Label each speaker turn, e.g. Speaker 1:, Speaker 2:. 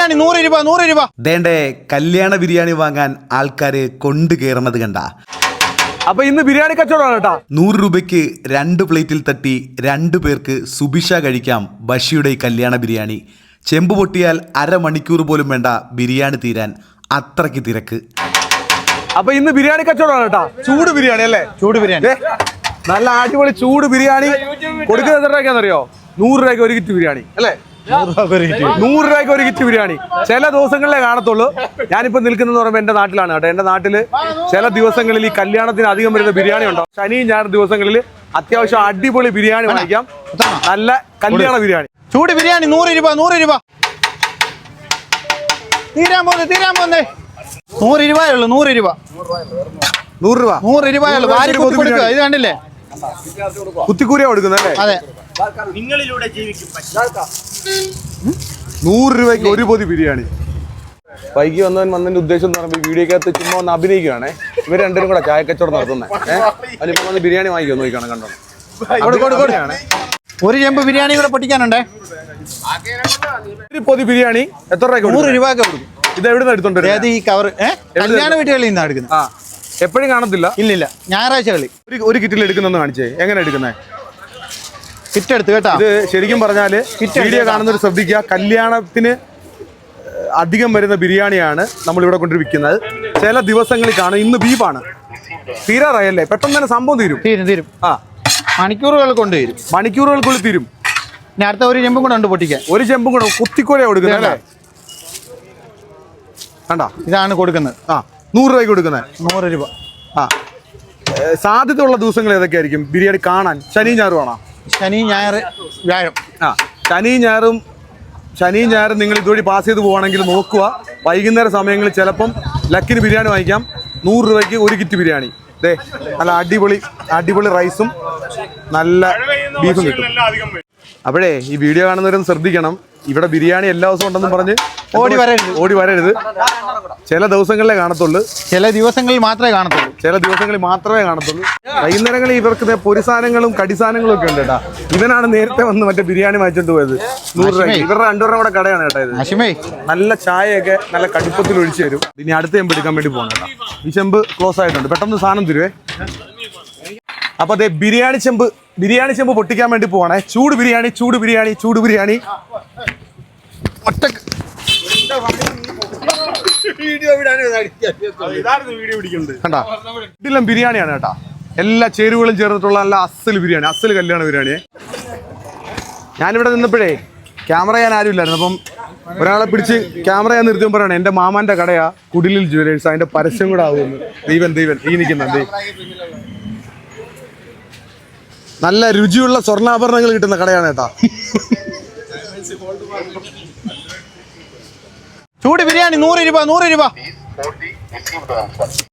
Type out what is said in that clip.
Speaker 1: ബിരിയാണി 100 രൂപ 100 രൂപ.
Speaker 2: ദേണ്ടേ കല്യാണ ബിരിയാണി വാങ്ങാൻ ആൾക്കാര് കൊണ്ടു കയറുന്നത് കണ്ട.
Speaker 3: അപ്പൊ ഇന്ന് ബിരിയാണി കച്ചവടമാണ് കേട്ടാ.
Speaker 2: 100 രൂപയ്ക്ക് 2 പ്ലേറ്റിൽ തട്ടി 2 പേർക്ക് സുബിഷ കഴിക്കാം ബഷിയുടെ കല്യാണ ബിരിയാണി. ചെമ്പ് പൊട്ടിയാൽ അരമണിക്കൂർ പോലും വേണ്ട ബിരിയാണി തീരാൻ, അത്രയ്ക്ക് തിരക്ക്.
Speaker 3: അപ്പൊ ഇന്ന് ബിരിയാണി കച്ചവടമാണ് കേട്ടാ. ചൂട് ബിരിയാണി അല്ലേ?
Speaker 1: ചൂട് ബിരിയാണി
Speaker 3: നല്ല അടിപൊളി ചൂട് ബിരിയാണി. കൊടുക്കുന്നത് എത്ര രൂപയ്ക്കാണെന്നറിയോ? 100 രൂപയ്ക്ക് ഒരു കിറ്റ് ബിരിയാണി അല്ലേ? 100 രൂപയ്ക്ക് ഒരു കിറ്റ് ബിരിയാണി. ചില ദിവസങ്ങളിലേ കാണത്തുള്ളൂ. ഞാനിപ്പോ നിൽക്കുന്നത് പറയുമ്പോൾ എന്റെ നാട്ടിലാണ് കേട്ടോ. എന്റെ നാട്ടില് ചില ദിവസങ്ങളിൽ ഈ കല്യാണത്തിന് അധികം വരുന്ന ബിരിയാണി ഉണ്ടോ. ശനി ഞായർ ദിവസങ്ങളിൽ അത്യാവശ്യം അടിപൊളി ബിരിയാണി വാങ്ങിക്കാം. നല്ല കല്യാണ ബിരിയാണി.
Speaker 1: ചൂട് ബിരിയാണി 100 രൂപ 100 രൂപ. തീരാൻ പോന്നേ 100 രൂപയുള്ളൂ. 100 രൂപ
Speaker 3: 100 രൂപ
Speaker 1: 100 രൂപയുള്ളൂ. ഇത് കണ്ടില്ലേ?
Speaker 3: കുത്തിക്കൂരിയാ കൊടുക്കുന്നല്ലേ?
Speaker 1: അതെ.
Speaker 3: 100 രൂപയ്ക്ക് ഒരു പൊതി ബിരിയാണി. വൈകി വന്നതിന്റെ ഉദ്ദേശം എന്ന് പറയുമ്പോൾ വീഡിയോക്കകത്ത് ചുമ്മാ ഒന്ന് അഭിനയിക്കുകയാണേ. ഇവർ രണ്ടുപേരും കൂടെ ചായക്കച്ചവടം നടത്തുന്നത്. അതിനിപ്പോ വന്ന് ബിരിയാണി വാങ്ങിക്കോ നോക്കണം. കണ്ടോ
Speaker 1: ഒരു ചെമ്പ് ബിരിയാണി കൂടെ പൊട്ടിക്കാനുണ്ടേ.
Speaker 3: ഒരു പൊതി ബിരിയാണി എത്ര രൂപ?
Speaker 1: 100 രൂപയൊക്കെ കൊടുക്കും.
Speaker 3: ഇത് എവിടെ നിന്ന് എടുത്തോണ്ട്?
Speaker 1: ഈ കവർ കല്യാണ വീട്ടുകളിൽ നിന്നാണ് എടുക്കുന്നത്.
Speaker 3: ആ, എപ്പോഴും കാണത്തില്ല.
Speaker 1: ഇല്ലില്ല, ഞായറാഴ്ചകളിൽ.
Speaker 3: ഒരു കിറ്റിൽ എടുക്കുന്നെന്ന് കാണിച്ചേ. എങ്ങനെ എടുക്കുന്നേ?
Speaker 1: കിറ്റ് എടുത്ത് കേട്ടോ.
Speaker 3: ഇത് ശരിക്കും പറഞ്ഞാല് വീഡിയോ കാണുന്നവർ ശ്രദ്ധിക്കുക. കല്യാണത്തിന് അധികം വരുന്ന ബിരിയാണിയാണ് നമ്മളിവിടെ കൊണ്ട് വിൽക്കുന്നത്. ചില ദിവസങ്ങളിൽ കാണും. ഇന്ന് ബീഫാണ്. തീരാറായല്ലേ? പെട്ടെന്ന് തന്നെ സംഭവം തീരും. ആ,
Speaker 1: മണിക്കൂറുകൾ കൊണ്ട് തീരും.
Speaker 3: മണിക്കൂറുകൾക്കുള്ളിൽ തീരും.
Speaker 1: ഇനി അടുത്ത ഒരു ചെമ്പും കൂടെ ഉണ്ട് പൊട്ടിക്കാൻ.
Speaker 3: ഒരു ചെമ്പും കൂടെ കുത്തിക്കോലയാണ് കൊടുക്കുന്നത് അല്ലേ? കണ്ടാ,
Speaker 1: ഇതാണ് കൊടുക്കുന്നത്.
Speaker 3: ആ, 100 രൂപയ്ക്ക് കൊടുക്കുന്നത്.
Speaker 1: 100 രൂപ.
Speaker 3: ആ, സാധ്യതയുള്ള ദിവസങ്ങൾ ഏതൊക്കെയായിരിക്കും ബിരിയാണി കാണാൻ? ശനിയും ഞായറും ആണോ?
Speaker 1: ശനി ഞായർ വ്യാഴം.
Speaker 3: ആ, ശനിയും ഞായറും നിങ്ങൾ ഇതുവഴി പാസ് ചെയ്ത് പോവുകയാണെങ്കിൽ നോക്കുക. വൈകുന്നേര സമയങ്ങളിൽ ചിലപ്പം ലക്കിന് ബിരിയാണി വാങ്ങിക്കാം. 100 രൂപയ്ക്ക് ഒരു കിറ്റ് ബിരിയാണി. ദേ നല്ല അടിപൊളി റൈസും നല്ല ബീഫും കിട്ടും. അപ്പോഴേ ഈ വീഡിയോ കാണുന്നവരും ശ്രദ്ധിക്കണം. ഇവിടെ ബിരിയാണി എല്ലാ ദിവസവും ഉണ്ടെന്നും പറഞ്ഞ് ഓടി വരരുത്. ചില ദിവസങ്ങളിലേ കാണത്തുള്ളൂ.
Speaker 1: ചില ദിവസങ്ങളിൽ മാത്രമേ കാണത്തുള്ളൂ.
Speaker 3: വൈകുന്നേരങ്ങളിൽ ഇവർക്ക് പൊരിസാധനങ്ങളും കടിസാധനങ്ങളും ഒക്കെ ഉണ്ട് കേട്ടാ. ഇവനാണ് നേരത്തെ വന്ന് മറ്റേ ബിരിയാണി വാങ്ങിച്ചോണ്ട് പോയത്. 100 രൂപ. ഇവരുടെ 2 രൂപ കൂടെ കടയാണ് കേട്ടോ ഇത്. നല്ല ചായയൊക്കെ നല്ല കടുപ്പത്തിൽ ഒഴിച്ചു തരും. ഇനി അടുത്ത ചെമ്പ് എടുക്കാൻ വേണ്ടി പോകണം കേട്ടോ. ഈ ചെമ്പ് ക്ലോസ് ആയിട്ടുണ്ട്. പെട്ടെന്ന് സാധനം തരുവേ. അപ്പൊ അതെ ബിരിയാണി ചെമ്പ് പൊട്ടിക്കാൻ വേണ്ടി പോവാണേ. ചൂട് ബിരിയാണി ഒറ്റ കണ്ടാ, ഇതെല്ലാം ബിരിയാണിയാണ് കേട്ടാ. എല്ലാ ചേരുവകളും ചേർന്നിട്ടുള്ള നല്ല അസൽ ബിരിയാണി, അസൽ കല്യാണ ബിരിയാണിയെ. ഞാനിവിടെ നിന്നപ്പോഴേ ക്യാമറ ചെയ്യാൻ ആരും ഇല്ലായിരുന്നു. അപ്പം ഒരാളെ പിടിച്ച് ക്യാമറ ചെയ്യാൻ നിർത്തിയും പറയണേ എൻ്റെ മാമാന്റെ കടയാ കുടിലിൽ ജുവലേഴ്സ്, അതിന്റെ പരസ്യം കൂടെ ആവുമെന്ന്. ദൈവൻ ഈ നിൽക്കുന്നുണ്ട്. നല്ല രുചിയുള്ള സ്വർണ്ണാഭരണങ്ങൾ കിട്ടുന്ന കടയാണ് കേട്ടാ.
Speaker 1: ചൂട് ബിരിയാണി 100 രൂപ 100 രൂപ.